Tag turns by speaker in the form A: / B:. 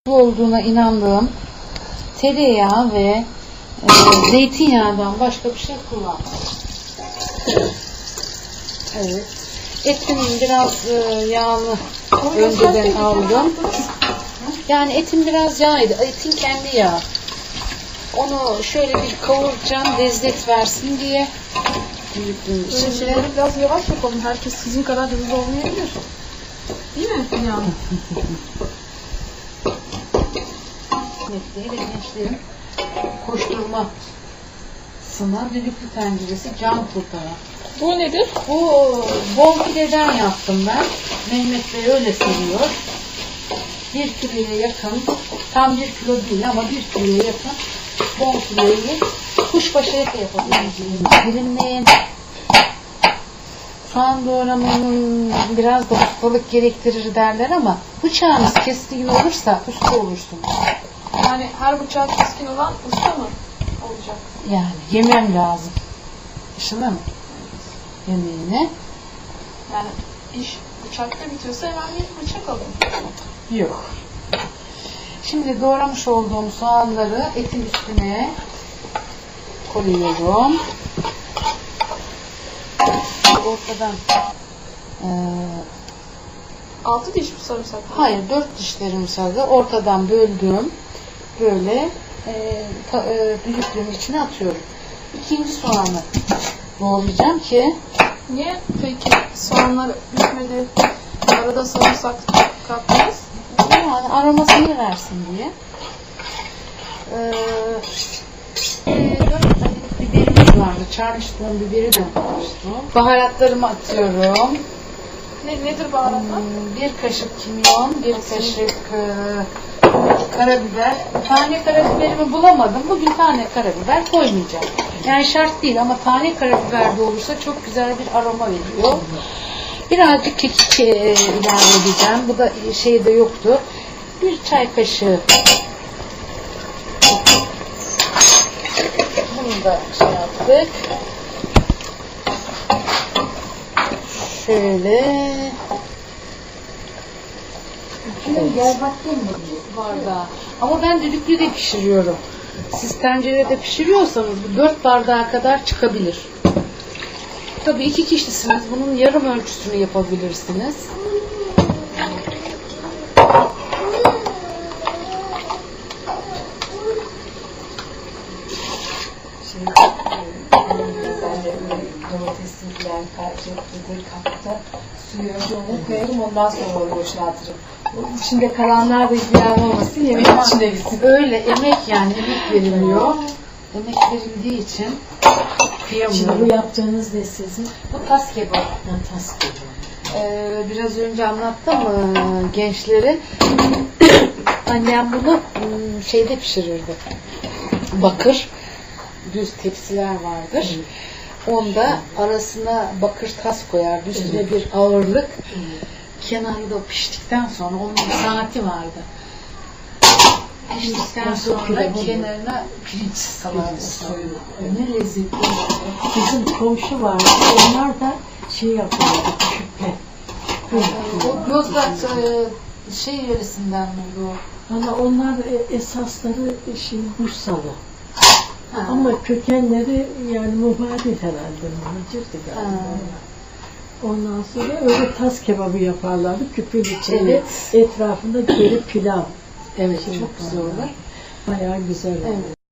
A: olduğuna inandığım tereyağı ve zeytinyağından başka bir şey kullanmadım. Evet. Etim biraz yağlı önceden aldım. Yani etim biraz yağydı. Etin kendi yağı. Onu şöyle bir kavuracağım lezzet versin diye.
B: Şimdi biraz yavaş yapalım. Herkes sizin kadar hızlı olmayabilir. Değil mi? Yani.
A: Mesleği ve gençlerin koşturmasına düdüklü tenceresi can kurtaran.
B: Bu nedir?
A: Bu bol pideden yaptım ben. Mehmet Bey öyle seviyor. 1 kiloya yakın, tam 1 kilo değil ama 1 kiloya yakın bol pideyi kuşbaşı ete yapabiliriz. Dilimleyin. Soğan doğramanın biraz da ustalık gerektirir derler ama bıçağınız keskin olursa usta olursunuz.
B: Yani her bıçağı keskin olan usta mı olacak?
A: Yani yemem lazım. Işına mı? Yemeğine.
B: Yani iş bıçakta bitiyorsa hemen bir bıçak alın.
A: Yok. Şimdi doğramış olduğum soğanları etin üstüne koyuyorum. Ortadan
B: 6 diş mi sarımsak?
A: hayır 4 dişlerim sarı ortadan böldüm. Böyle düdüklüğün içine atıyorum. İkinci soğanı doğrayacağım ki
B: Niye peki soğanlar bitmedi? Arada sarımsak kattınız.
A: yani aromasını versin diye. 4 adet biberimiz vardı. Charleston biberi de koymuştum. Baharatlarımı atıyorum.
B: Nedir baharatlar?
A: 1 kaşık kimyon, 1 kaşık karabiber. Tane karabiberimi bulamadım. Bugün tane karabiber koymayacağım. Yani şart değil ama tane karabiber de olursa çok güzel bir aroma veriyor. Birazcık kekik ilave edeceğim. Bu da şeyde yoktu. 1 çay kaşığı. Bunu da şey yaptık. Şöyle. Gel bakayım bu bardağı. Ama ben düdüklü de pişiriyorum. Siz tencerede pişiriyorsanız bu 4 bardağa kadar çıkabilir. Tabii 2 kişisiniz. Bunun yarım ölçüsünü yapabilirsiniz.
C: Domatesler kapta suyu önce onu koyarım ondan sonra onu boşaltırım. İçinde kalanlar da ziyan olmasın yemeğin içine gitsin.
A: Öyle emek yani emek veriliyor. Emek verildiği için kıyamıyorum.
C: Şimdi bu yaptığınız ne sizin?
A: Bu tas kebabı.
C: Tas gibi.
A: Biraz önce anlattım gençleri. Annem bunu şeyde pişirirdi. Bakır düz tepsiler vardır. Onda arasına bakır tas koyardı. Üstüne bir ağırlık. Kenarında piştikten sonra onun bir saati vardı. Piştikten sonra kenarına pirinç salardı.
C: Ne lezzetli. Bizim komşu vardı. Onlar da şey yapıyordu. Küpe.
A: O Yozgat şey yöresinden mi o?
C: Valla onlar esasları Bursalı. Ama kökenleri yani mübarek herhalde. Muhacirdi galiba. Ondan sonra öyle tas kebabı yaparlardı. Küpün içinde.
A: Evet.
C: Etrafında geri pilav.
A: Evet, çok güzel olur.
C: Bayağı güzel olur.
A: Evet.